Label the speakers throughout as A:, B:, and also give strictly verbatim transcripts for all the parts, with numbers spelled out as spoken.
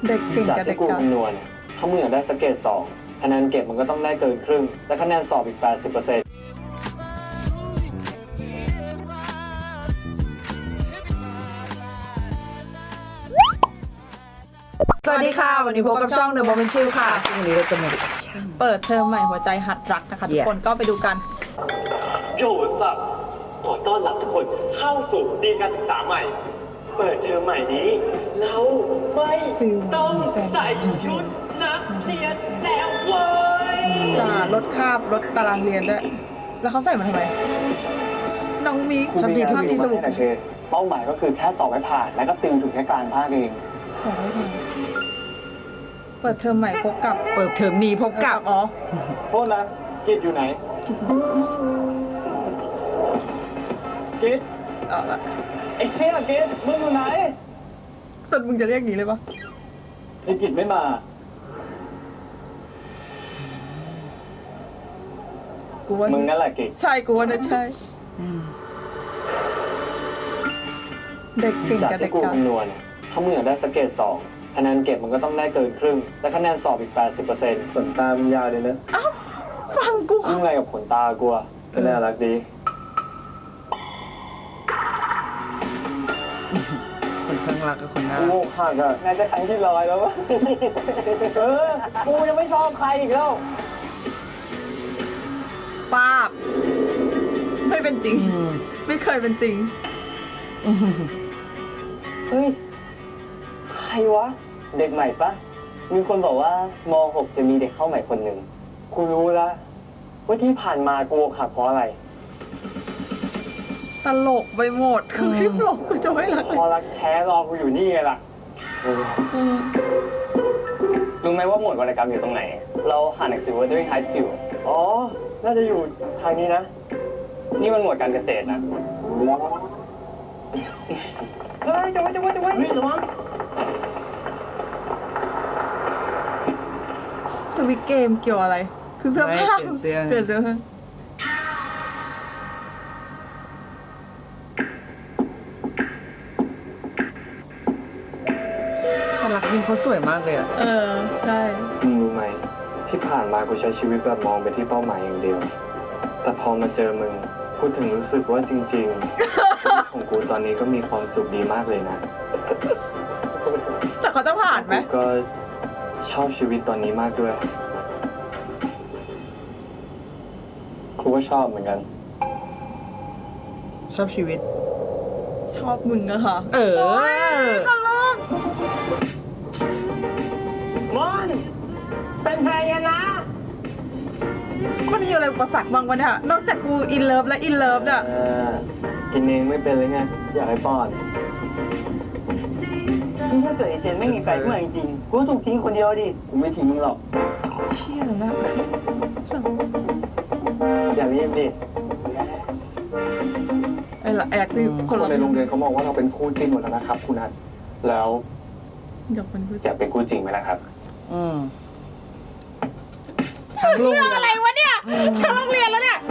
A: เด็กเก่ง
B: จาก
A: กับเด็
B: ที่
A: ก
B: กู
A: กับ
B: คำนวณถ้ามึงอยากได้สเกตสองคะแนนเก็บมันก็ต้องได้เกินครึ่งและคะแนนสอบอีก แปดสิบเปอร์เซ็นต์
C: สวัสดีค่ะวันนี้พบกับช่อง The Moment Chill ค่ะซึ่งวันนี้เราจะมาดูช่าง
A: เปิดเทอมใหม่หัวใจหัดรักนะคะทุก
C: Yeah
A: คนก็ไปดูกัน
D: โยสับขอต้อนรับทุกคนเข้าสู่ปีการศึกษาใหม่ เปิดเทอมใหม่นี้ เราไม่ต้องใส่ชุดนักเรียนแล้วเว้ย
A: จะลดคาบลดตารางเรียนด้วย แล้วเขาใส่มาทำไม น้องมิก
B: ครูมีงาน
A: ภาพ
B: ที่
A: นี้
B: ส
A: ส
B: รุ
A: รุ
B: ป
A: ป
B: นะเชนเป้าหมายก็คือแค่สอบให้ผ่านแล้วก็ติวถึงแค่กลางภาคเอง
A: สองร้อยเพลงเปิดเทอมใหม่พบกับ
C: เปิดเทอมนี้พบกับ
A: อ๋อ
B: โทษนะกิจอยู่ไหนกิจ
A: เอาละ
B: ไอ้เชี่ยกิจมึงอยู่ไหน
A: ตอนมึงจะเรียกอย่างนี้เลยปะ
B: ไอ้กิจไม่มา
A: กูว่า
B: มึงนั่นแหละกิจ
A: ใช่กูว่าน่าใช่ เด็กเก่ง
B: จาก
A: กับเด็
B: ที่
A: ก
B: กู
A: กับ
B: คำนวณถ้ามึงอยากได้สเกตสองคะแนนเก็บมันก็ต้องได้เกินครึ่งและคะแนนสอบอีก แปดสิบเปอร์เซ็นต์ ขนตามึงยาวเลยนะ
A: ฟังกู
B: มึงอะไรกับขนตากูอะก็น่ารักดี
C: คนข้างรักกับคนน่า
B: กู
C: รัก
B: โง่ข้างอะน่าจะครั้งที่ร้อยแล้ววะ เออ กูยังไม่ชอบใครอีกแล้ว
A: ป้าบไม่เป็นจริง
C: อืม
A: ไม่เคยเป็นจริง
B: เฮ้ย ใครวะ เด็กใหม่ปะ มีคนบอกว่ามหกจะมีเด็กเข้าใหม่คนหนึ่ง กูรู้แล้วว่าที่ผ่านมากูอกหักเพราะอะไร
A: ตลกไปหมดคือคลิปหลงกูจะไม่รัก
B: เพ
A: เลย
B: ราะรักแท้รอกูอยู่นี่ไงล่ะเออ
A: เออ
B: รู้ไหมว่าหมวดวรรณกรรมอยู่ตรงไหน เราหาหนังสือ Wuthering Heights อยู่ อ๋อ น่าจะอยู่ทางนี้นะ นี่มันหมวดการเกษตรนะ เฮ้ยจะไว้จะไว้จะไว้เฮ้ยระวัง
A: สวิตเกมเกี่ยวอะไร คือเสื้อผ้า
C: ไม่เปลี่ยนเสื้อ
A: เปลี่ยนเสื้อผ้า
C: คนรักยิ้มเขาสวยมากเลยอ่ะ
A: เออใช่
B: มึงรู้ไหม ที่ผ่านมากูใช้ชีวิตแบบมองไปที่เป้าหมายอย่างเดียว แต่พอมาเจอมึงกูถึงรู้สึกว่าจริงๆ ชีวิตของกูตอนนี้ก็มีความสุขดีมากเลยนะ
A: แต่เขาจะผ่านไหม
B: กูก็ชอบชีวิตตอนนี้มากด้วยกูก็ชอบเหมือนกัน
C: ชอบชีวิต
A: ชอบมึงอะค่ะ
C: เออ
A: ตลก
B: มอนเป็นแฟนกันนะ
A: มันมีอะไรอุปสรรคบ้างวะเนี่ยนอกจากกูอินเลิฟและอินเลิฟเนี่ย
B: เออกินเองไม่เป็นเลยไง อยากให้ป้อนถ้าเกิดไอเชนไม่มีแฟนขึ้นมาจริงๆกูก็ถูกทิ้งคนเดียวดิกูไม่ทิ้งมึงหรอก
A: เชี่ยนะ
B: อย่ารีบดิ
A: ไอ้ละแอกที่ค
B: คน น
A: ละ
B: ในโรงเรียนเขาบอกว่าเราเป็นคู่จิ้นหมดแล้วนะครับคุณนัทแล้ว
A: อยากเป็นผู้
B: อยากเป็นคู่จริงไหมล่ะครับ
C: อืมทั้งโรงเรียน
A: อะไรวะเนี่ยทั้งโรงเรียนแล้วเนี่ย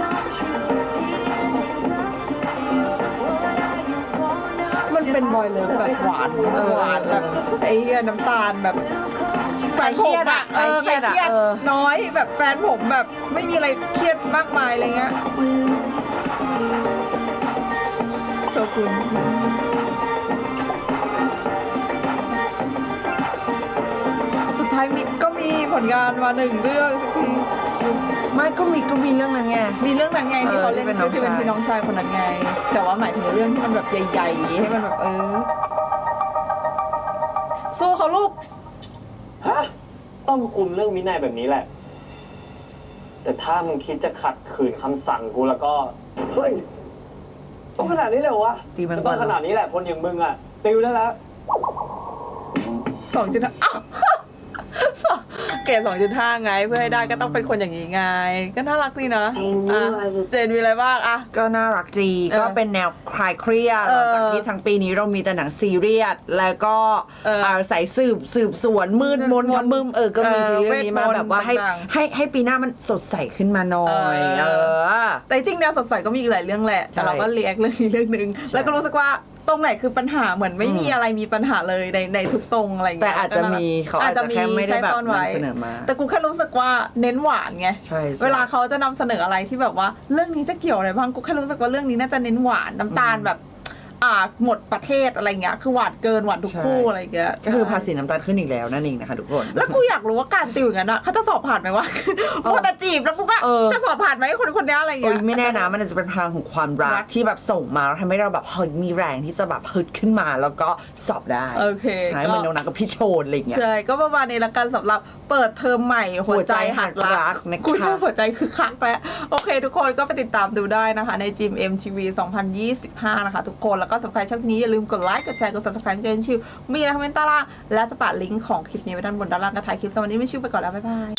A: มันเป็นบอยเลิฟแบบหวานเออหวานแบบไอ้เหี้ยน้ำตาลแบบแฟนผมอะเออใครเครียดน้อยแบบแฟนผมแบบไม่มีอะไรเครียดมากมายอะไรเงี้ยโชกุนสุดท้ายมิกก็มีผลงานมาหนึ่งเรื่องสักที
C: ไม่ก็มีก็มีเรื่องนั้นไง
A: มีเรื่องนั้นไงที่เขาเล่น
C: เออที่
A: ที่
C: เป็
A: เป็น น
C: น้องชาย
A: พี่น้องชายคนนั้นไง แต่ว่าหมายถึงเรื่องที่มันแบบใหญ่ๆให้มันแบบเออสู้เขาลูก
B: ฮะ ต้องคุมเรื่องวินัยแบบนี้แหละ แต่ถ้ามึงคิดจะขัดขืนคำสั่งกูแล้วก็ เฮ้ย ต้องขนาดนี้เลยเหรอวะ
C: ตีมัน
B: ก็
C: ก่
B: ต้
C: อ
B: อน งขนาดนี้แหละคนอย่างมึงอ่ะ ติวได้แล้ว
A: สองจุดห้าอ้าวเกรดสองจุดห้าไงเพื่อให้ได้ก็ต้องเป็นคนอย่างนี้ไง ก็น่ารักดีนะอ่ะเจนมีอะไรบ้างอ่ะ
C: ก็น่ารักดี
A: เออ
C: ก็เป็นแนวคลายเครียด
A: เอ
C: หลั
A: อง
C: จากที่ทั้งปีนี้เรามีแต่หนังซีเรียสแล้วก็
A: เออ
C: อาศัยสืบสืบสวนมืดมน
A: มืดมน
C: ทำมึมเออก็มี
A: เออ
C: ซีรีส์นี้มา
A: เวทมนต์
C: แบบว่าให้
A: ต่างๆ
C: ให้ให้ปีหน้ามันสดใสขึ้นมาหน่อย
A: เออ
C: เออ
A: แต่จริงแนวสดใสก็มีอีกหลายเรื่องแหละ แต่
C: ใช่
A: เราก็เรียกเรื่องนี้เรื่องหนึ่งแล้วก็รู้สึกว่าตรงไหนคือปัญหาเหมือนไม่มีอะไรมีปัญหาเลยในในทุกตรงอะไรอย่าง
C: แต่
A: เงี้ย
C: อาจจะมีเขาอาจจะแค่ไม่ได้แบบ
A: ใช้ซ่อนว้
C: นำเสนอมา
A: แต่กูแค่รู้สึกว่าเน้นหวานไง
C: ใช่ใช่
A: เวลาเขาจะนำเสนออะไรที่แบบว่าเรื่องนี้จะเกี่ยวอะไรบ้างกูแค่รู้สึกว่าเรื่องนี้น่าจะเน้นหวานน้ำตาลแบบอ่าหมดประเทศอะไรเงี้ยคือหวานเกินหวานทุกคู่อะไรเงี้ย
C: ก็คือภาษีน้ำตาลขึ้นอีกแล้วนั่นเองนะคะทุกคน
A: แล้วกูอยากรู้ว่าการติวอย่างนั้นอะเขาจะสอบผ่านไหมวะพูดแต่จีบแล้วกูก็
C: เออ
A: จะสอบผ่านไหมคนคนนี้อะไร
C: โอ้
A: เงี้
C: ย
A: ย
C: ไม่แน่นะมันอาจจะเป็นพลังของความรั
A: รั
C: ก
A: ก
C: ที่แบบส่งมาแล้วทำให้เราแบบเฮ้ยมีแรงที่จะแบบฮึดขึ้นมาแล้วก็สอบได้
A: โอเค
C: ใช่
A: ก็
C: เหมือนน้องนักกับพี่โชนอะไรอย่างเงี้ย
A: ใช่ก็ประมาณนี้ละกันสำหรับเปิดเทอมใหม่หัวใจหัดรั
C: หัวใจหัดรั
A: ก
C: กนะคะ
A: กูชอบหัวใจคือคักแปะโอเค ทุกคนก็ไปติดตามดูได้นะคะในจิม เอ็ม ที วี สองพันยี่สิบห้านะคะทุกคนแล้วก็สำหรับใครชอบนี้อย่าลืมกดไลค์กดแชร์กด ซับสไครบ์ เจนชิวมีอะไรคอมเมนต์ใต้ล่างและจะปะลิงก์ของคลิปนี้ไว้ด้านบนด้านล่างกระถ่ายคลิปสำหรับวันนี้ไม่ชิวไปก่อนแล้วบ๊ายบาย